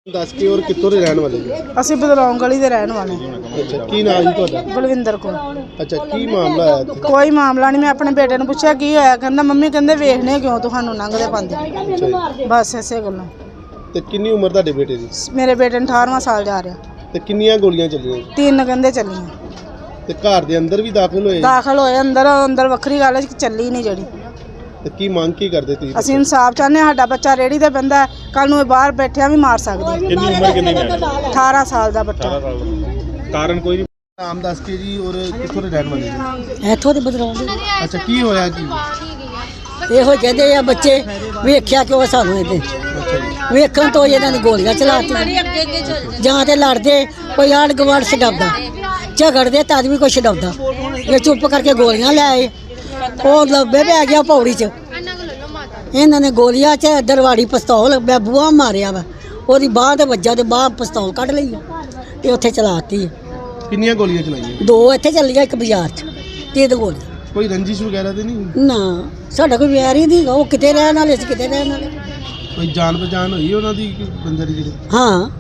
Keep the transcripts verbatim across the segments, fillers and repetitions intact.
ਦੱਸ ਕੇ ਔਰ ਕਿੱਥੋਂ ਦੇ ਰਹਿਣ ਵਾਲੇ ਜੀ? ਅਸੀਂ ਬਦਲੌਂ ਗਲੀ ਦੇ ਰਹਿਣ ਵਾਲੇ। ਅੱਛਾ, ਕੀ ਨਾਮ ਜੀ ਤੁਹਾਡਾ? ਬਲਵਿੰਦਰ ਕੌਰ। ਅੱਛਾ, ਕੀ ਮਾਮਲਾ ਹੈ ਇੱਥੇ? ਕੋਈ ਮਾਮਲਾ ਨਹੀਂ। ਮੈਂ ਆਪਣੇ ਬੇਟੇ ਨੂੰ ਪੁੱਛਿਆ ਕੀ ਹੋਇਆ, ਕਹਿੰਦਾ ਮੰਮੀ ਕਹਿੰਦੇ ਵੇਖਨੇ ਕਿਉਂ ਤੁਹਾਨੂੰ ਲੰਘਦੇ ਪਾਉਂਦੇ, ਬਸ ਇਸੇ ਗੱਲੋਂ। ਤੇ ਕਿੰਨੀ ਉਮਰ ਤੁਹਾਡੇ ਬੇਟੇ ਦੀ? ਮੇਰੇ ਬੇਟੇ ਨੂੰ ਅਠਾਰਵਾਂ ਸਾਲ ਜਾ ਰਿਹਾ। ਤੇ ਕਿੰਨੀਆਂ ਗੋਲੀਆਂ ਚੱਲੀਆਂ? ਤਿੰਨ ਕਹਿੰਦੇ ਚੱਲੀਆਂ। ਤੇ ਘਰ ਦੇ ਅੰਦਰ ਵੀ ਦਾਖਲ ਹੋਏ? ਦਾਖਲ ਹੋਏ ਅੰਦਰ। ਅੰਦਰ ਵੱਖਰੀ ਗੱਲ ਹੈ ਕਿ ਚੱਲੀ ਨਹੀਂ ਜਿਹੜੀ। ਤੇ ਕੀ ਮੰਗ ਕੀ ਕਰਦੇ ਤੁਸੀਂ? ਅਸੀਂ ਇਨਸਾਫ ਚਾਹੁੰਦੇ ਹਾਂ। ਸਾਡਾ ਬੱਚਾ ਰੇੜੀ ਤੇ ਬੰਦਾ ਕੱਲ ਨੂੰ ਇਹ ਬਾਹਰ ਬੈਠਿਆ ਵੀ ਮਾਰ ਸਕਦਾ। ਕਿੰਨੀ ਉਮਰ ਕਿੰਨੀ ਹੈ? ਅਠਾਰਾਂ ਸਾਲ ਦਾ ਬੱਚਾ। ਕਾਰਨ ਕੋਈ ਨਾਮ ਦੱਸ ਕੇ ਜੀ ਔਰ ਕਿੱਥੋਂ ਦੇ ਰਹਿਣ ਵਾਲੇ ਜੀ? ਇੱਥੋਂ ਦੇ ਬਦਲਾਉ ਦੇ। ਅੱਛਾ, ਕੀ ਹੋਇਆ ਕੀ? ਇਹੋ ਕਹਿੰਦੇ ਆ ਬੱਚੇ, ਵੇਖਿਆ ਕਿਉਂ ਸਾਨੂੰ ਇਹਦੇ ਵੇਖਣ ਤੋਂ ਇਹਨਾਂ ਨੇ ਗੋਲੀਆਂ ਚਲਾਤੀਆਂ। ਜਾਂ ਤੇ ਲੜਦੇ ਕੋਈ ਆੜ ਗਵਾੜ ਛਡਾਉਂਦਾ, ਝਗੜਦੇ ਤਦ ਵੀ ਕੋਈ ਛਡਾਉਂਦਾ। ਇਹ ਚੁੱਪ ਕਰਕੇ ਗੋਲੀਆਂ ਲੈ ਆਏ। ਉਹ ਲੱਭੇ ਪੈ ਗਿਆ ਪੌੜੀ 'ਚ। ਇਹਨਾਂ ਨੇ ਗੋਲੀਆਂ 'ਚ ਦਰਵਾੜੀ ਪਿਸਤੌਲ ਮੈਂ ਬੂਹਾ ਮਾਰਿਆ ਵਾ, ਉਹਦੀ ਬਾਂਹ ਤੇ ਵੱਜਾ ਤੇ ਬਾਂਹ ਪਿਸਤੌਲ ਕੱਢ ਲਈ ਆ ਤੇ ਉੱਥੇ ਚਲਾਤੀ ਆ। ਕਿੰਨੀਆਂ ਗੋਲੀਆਂ ਚਲਾਈਆਂ? ਦੋ ਇੱਥੇ ਚੱਲੀਆਂ, ਇੱਕ ਬਾਜ਼ਾਰ 'ਚ। ਤਿੰਨ ਗੋਲੀਆਂ। ਕੋਈ ਰੰਜਿਸ਼ ਵਗੈਰਾ ਤੇ ਨਹੀਂ? ਨਾ, ਸਾਡਾ ਕੋਈ ਵਿਆਹ ਹੀ ਨਹੀਂ। ਉਹ ਕਿਤੇ ਰਹਿਣ ਵਾਲੇ ਸੀ, ਕਿਤੇ ਰਹਿਣ ਵਾਲੇ। ਕੋਈ ਜਾਣ ਪਛਾਣ ਹੋਈ ਉਹਨਾਂ ਦੀ ਕਿ ਬੰਦੇ ਦੀ? ਜਿਹੜੇ ਹਾਂ,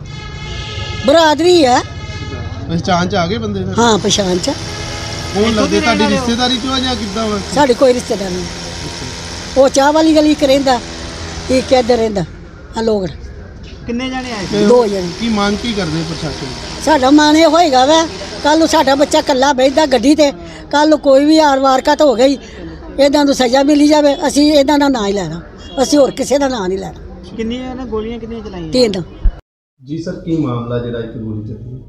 ਬਰਾਦਰੀ ਹੈ। ਪਛਾਣ ਚ ਆ ਗਏ ਬੰਦੇ? ਫਿਰ ਹਾਂ, ਪਛਾਣ ਚ। ਕੌਣ ਲੱਗਦੇ? ਤੁਹਾਡੀ ਰਿਸ਼ਤੇਦਾਰੀ ਚੋਂ ਆ ਜਾਂ ਕਿੱਦਾਂ ਵਾ? ਸਾਡੀ ਕੋਈ ਰਿਸ਼ਤੇਦਾਰ ਨਹੀਂ। ਉਹ ਚਾਹ ਵਾਲੀ ਗਲੀ 'ਚ ਰਹਿੰਦਾ, ਇੱਕ ਇੱਧਰ ਰਹਿੰਦਾ। ਆ ਲੋਕ ਕਿੰਨੇ ਜਾਣੇ ਆਏ? ਤੇ ਦੋ ਜਣੇ। ਕੀ ਮੰਗ ਕੀ ਕਰਦੇ ਪ੍ਰਸ਼ਾਸਨ? ਸਾਡਾ ਮਨ ਇਹ ਹੋਏਗਾ ਵਾ ਕੱਲ ਨੂੰ ਸਾਡਾ ਬੱਚਾ ਇਕੱਲਾ ਬੈਠਦਾ ਗੱਡੀ ਤੇ, ਕੱਲ ਨੂੰ ਕੋਈ ਵੀ ਆਰ ਵਾਰਕਤ ਹੋ ਗਈ, ਇਹਨਾਂ ਨੂੰ ਸਜ਼ਾ ਮਿਲੀ ਜਾਵੇ। ਅਸੀਂ ਇਹਨਾਂ ਦਾ ਨਾਂ ਹੀ ਲੈਣਾ, ਅਸੀਂ ਹੋਰ ਕਿਸੇ ਦਾ ਨਾਂ ਨਹੀਂ ਲੈਣਾ। ਕਿੰਨੀਆਂ ਨੇ ਗੋਲੀਆਂ ਕਿੰਨੀਆਂ ਚਲਾਈਆਂ? ਤਿੰਨ। ਜੀ ਸਰ, ਕੀ ਮਾਮਲਾ ਜਿਹੜਾ ਇੱਕ ਗੋਲੀ ਚੱਲੀ?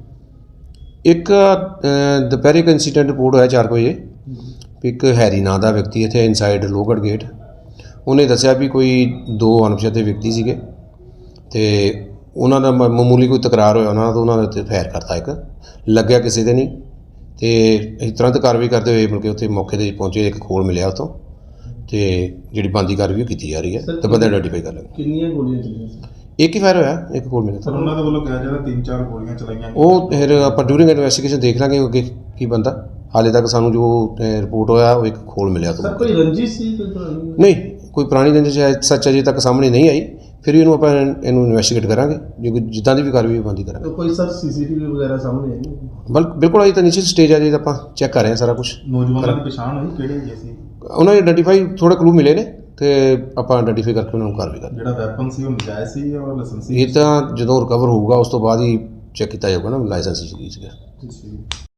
ਇੱਕ ਅ, ਦੁਪਹਿਰੇ ਇੱਕ ਇੰਸੀਡੈਂਟ ਰਿਪੋਰਟ ਹੋਇਆ ਚਾਰ ਕੁ ਵਜੇ ਵੀ ਇੱਕ ਹੈਰੀ ਨਾਂ ਦਾ ਵਿਅਕਤੀ ਇੱਥੇ ਇਨਸਾਈਡ ਲੋਹਗੜ੍ਹ ਗੇਟ, ਉਹਨੇ ਦੱਸਿਆ ਵੀ ਕੋਈ ਦੋ ਅਣਪਛਾਤੇ ਵਿਅਕਤੀ ਸੀਗੇ ਤੇ ਉਹਨਾਂ ਦਾ ਮ- ਮਾਮੂਲੀ ਕੋਈ ਤਕਰਾਰ ਹੋਇਆ ਉਹਨਾਂ ਦਾ, ਤਾਂ ਉਹਨਾਂ ਦੇ ਉੱਤੇ ਫਾਇਰ ਕਰਤਾ। ਇੱਕ ਲੱਗਿਆ ਕਿਸੇ ਦੇ ਨਹੀਂ ਤੇ ਅਸੀਂ ਤੁਰੰਤ ਕਾਰਵਾਈ ਕਰਦੇ ਹੋਏ ਮਿਲ ਕੇ ਉੱਥੇ ਮੌਕੇ 'ਤੇ ਪਹੁੰਚੇ। ਇੱਕ ਖੋਲ ਮਿਲਿਆ ਉੱਥੋਂ ਤੇ ਜਿਹੜੀ ਬਣਦੀ ਕਾਰਵਾਈ ਉਹ ਕੀਤੀ ਜਾ ਰਹੀ ਹੈ ਤੇ ਬੰਦੇ ਆਈਡੈਂਟੀਫਾਈ ਕਰ ਲਾਂਗੇ। ਕਿੰਨੀਆਂ ਗੋਲੀਆਂ ਚੱਲੀਆਂ? ਇੱਕ ਹੀ ਫਾਇਰ ਹੋਇਆ, ਇੱਕ ਖੋਲ ਮਿਲਿਆ। ਸਰ ਉਹਨਾਂ ਦੇ ਵੱਲੋਂ ਕਿਹਾ ਜਾਂਦਾ ਤਿੰਨ ਚਾਰ ਗੋਲੀਆਂ ਚਲਾਈਆਂ। ਉਹ ਫਿਰ ਆਪਾਂ ਡਿਊਰਿੰਗ ਇਨਵੈਸਟੀਗੇਸ਼ਨ ਦੇਖ ਲਾਂਗੇ ਅੱਗੇ ਕੀ ਬੰਦਾ। ਹਾਲੇ ਤੱਕ ਸਾਨੂੰ ਜੋ ਰਿਪੋਰਟ ਹੋਇਆ ਉਹ ਇੱਕ ਖੋਲ ਮਿਲਿਆ ਤੋਂ। ਸਰ, ਕੋਈ ਰੰਜਿਸ਼ ਸੀ ਕੋਈ ਪੁਰਾਣੀ? ਨਹੀਂ, ਕੋਈ ਪੁਰਾਣੀ ਰੰਜਿਸ਼ ਸੱਚ ਅਜੇ ਤੱਕ ਸਾਹਮਣੇ ਨਹੀਂ ਆਈ। ਫਿਰ ਵੀ ਇਹਨੂੰ ਆਪਾਂ ਇਹਨੂੰ ਇਨਵੈਸਟੀਗੇਟ ਕਰਾਂਗੇ, ਜੇ ਕੋਈ ਜਿੱਦਾਂ ਦੀ ਵੀ ਕਾਰਵਾਈ ਬੰਦੀ ਕਰਾਂਗੇ। ਕੋਈ ਸਰ ਸੀਸੀਟੀਵੀ ਵਗੈਰਾ ਸਾਹਮਣੇ ਆਈ? ਬਲ ਬਿਲਕੁਲ ਅਜੇ ਤਾਂ ਨੀਚੇ ਸਟੇਜ ਆ, ਜੇ ਆਪਾਂ ਚੈੱਕ ਕਰ ਰਹੇ ਹਾਂ ਸਾਰਾ ਕੁਝ। ਨੌਜਵਾਨਾਂ ਦੀ ਪਛਾਣ ਹੋਈ ਕਿਹੜੇ ਹੈਗੇ ਸੀ? ਉਹਨਾਂ ਨੇ ਆਈਡੈਂਟੀਫਾਈ ਥੋੜੇ ਕਲੂ ਮਿਲੇ ਨੇ ਤੇ ਆਪਾਂ ਆਈਡੈਂਟੀਫਾਈ ਕਰਕੇ ਉਹਨਾਂ ਨੂੰ ਕਾਰਵਾਈ ਕਰਾਂਗੇ। ਜਿਹੜਾ ਵੈਪਨ ਸੀ ਉਹ ਨਜਾਇਜ਼ ਸੀ ਜਾਂ ਲਾਇਸੈਂਸ ਸੀ? ਇਹ ਤਾਂ ਜਦੋਂ ਰਿਕਵਰ ਹੋਊਗਾ ਉਸ ਤੋਂ ਬਾਅਦ ਹੀ ਚੈੱਕ ਕੀਤਾ ਜਾਊਗਾ ਨਾ ਲਾਇਸੈਂਸ ਸੀ ਸੀਗਾ।